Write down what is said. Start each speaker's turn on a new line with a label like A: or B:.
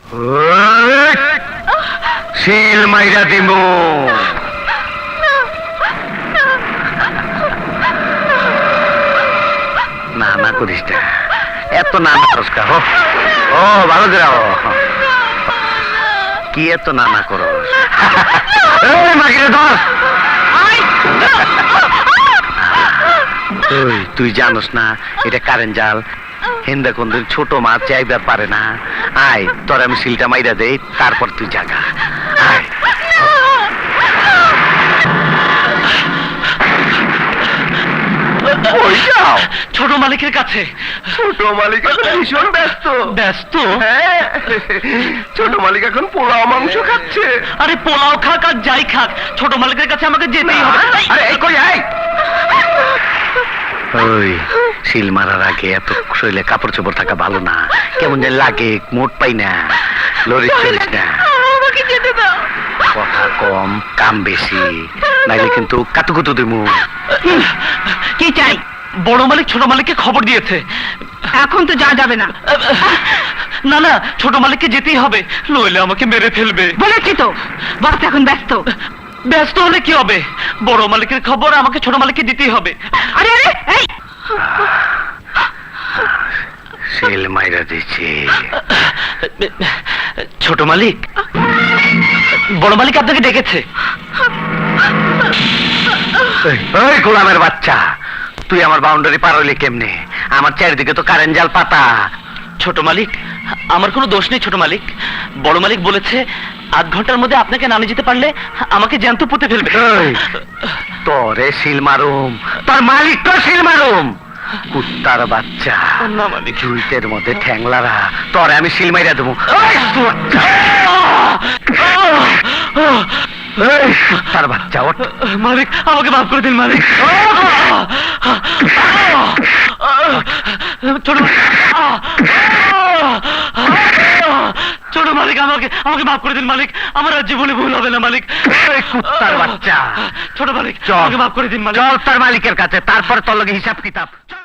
A: শিল মাইরা দিমু। না না করিস না, এত নানা করস্কার। ও ভালো যাও, কি এত নানা করো? তুই জানোস না এটা কারেন্ট জাল, হিন্দা কোন ছোট মাছ চাইবার পারে না। আয় তোর আমি শিলটা মাইরা দেই, তারপর তুই জাগা। আয়
B: ছোট মালিকের কাছে।
A: ছোট মালিক এখন ভীষণ ব্যস্ত।
B: ব্যস্ত?
A: হ্যাঁ, ছোট মালিক এখন পোলাও মাংস খাচ্ছে।
B: আরে পোলাও খাক আর যাই খাক, ছোট মালিকের কাছে আমাকে যেতেই হবে।
A: আরে এই কই আয়। ওই শিল মারার আগে এত শরীরে কাপড় চোপড় থাকা ভালো না, কেমন যেন লাগে, মোট পাই না। লরিস চলিস না,
B: আমাকে যেতে দাও।
A: কথা কম কাম বেশি, নাইলে কিন্তু কাতুকুতু দিমু।
C: কি চাই?
B: বড় মালিক ছোট মালিককে খবর দিয়েছে।
C: এখন তো যা যাবে না।
B: না না, ছোট মালিককে যেতেই হবে, নইলে আমাকে মেরে ফেলবে।
C: বলেছি তো, বস এখন ব্যস্ত।
B: ব্যস্ত হলে কি হবে? বড় মালিকের খবর আমাকে ছোট মালিককে দিতেই হবে।
C: আরে আরে এই
A: শিল মাইরা দিচ্ছি।
B: ছোট মালিক, বড় মালিক আপনাকে ডেকেছে।
A: ওই গোলামের বাচ্চা, তুই আমার বাউন্ডারি পার হইলি কেমনে? আমার চারিদিকে তো কারেন্ট জাল পাতা।
B: ছোট মালিক, আমার কোনো দোষ নেই ছোট মালিক। বড় মালিক বলেছে আধ ঘন্টার মধ্যে আপনাকে নামে যেতে পারলে আমাকে জ্যান্ত পুঁতে ফেলবে।
A: তোরে শিল মারুম, তোর মালিক তো শিল মারুম। কুত্তার বাচ্চা,
B: না মালিক,
A: জুইতের মধ্যে ঠ্যাংলারা, তোরে আমি শিল মাইরা দেবো। কুত্তার বাচ্চা, ওঠ।
B: মালিক আমাকে মাফ করে দিন মালিক। ছোট ছোট মালিক, আমাকে মাফ করে দিন মালিক। আমার আর জীবনে ভুল হবে না মালিক।
A: কুত্তার বাচ্চা,
B: ছোট মালিক,
A: চল
B: আমাকে মাফ করে দিন মালিক।
A: চল তার মালিকের কাছে, তারপর তোর লগে হিসাব কিতাব।